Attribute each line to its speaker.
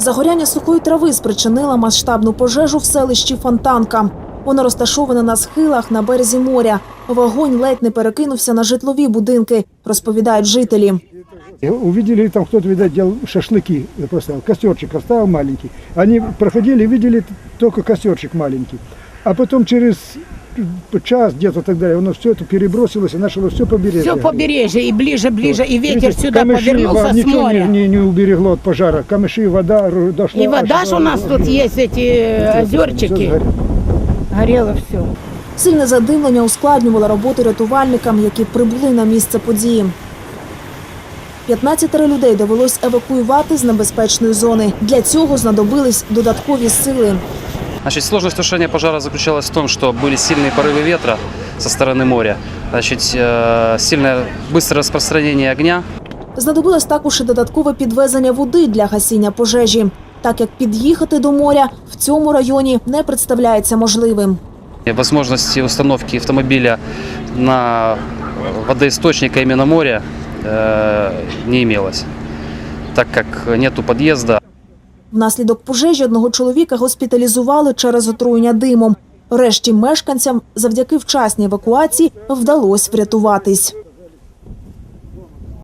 Speaker 1: Загоряння сухої трави спричинило масштабну пожежу в селищі Фонтанка. Воно розташоване на схилах на березі моря. Вогонь ледь не перекинувся на житлові будинки, розповідають жителі.
Speaker 2: Увидели, там кто-то, видать, делал шашлыки, просто костерчик оставил маленький. Они проходили, видели только костерчик маленький. А потом через час где-то так далее, оно все это перебросилось и начало все побережье.
Speaker 3: Все побережье, и ближе, и ветер
Speaker 2: Видите,
Speaker 3: сюда
Speaker 2: камыши,
Speaker 3: повернулся с
Speaker 2: ничего
Speaker 3: моря.
Speaker 2: не уберегло от пожара. Камыши, вода дошла.
Speaker 3: И вода ж у нас тут есть, эти озерчики. Горело все.
Speaker 1: Сильне задимлення ускладнювало роботу рятувальникам, які прибули на місце події. 15 людей довелось евакуювати з небезпечної зони. Для цього знадобились додаткові сили.
Speaker 4: Значит, сложность тушения пожара заключалась в том, что были сильные порывы ветра со стороны моря, значит, сильное быстрое распространение огня.
Speaker 1: Знадобилось також і додаткове підвезення води для гасіння пожежі, так як під'їхати до моря в цьому районі не представляється можливим.
Speaker 4: Возможности установки автомобиля на водоисточник, а именно море, не имелось, так как нету подъезда.
Speaker 1: Внаслідок пожежі одного чоловіка госпіталізували через отруєння димом. Решті мешканцям завдяки вчасній евакуації вдалося врятуватись.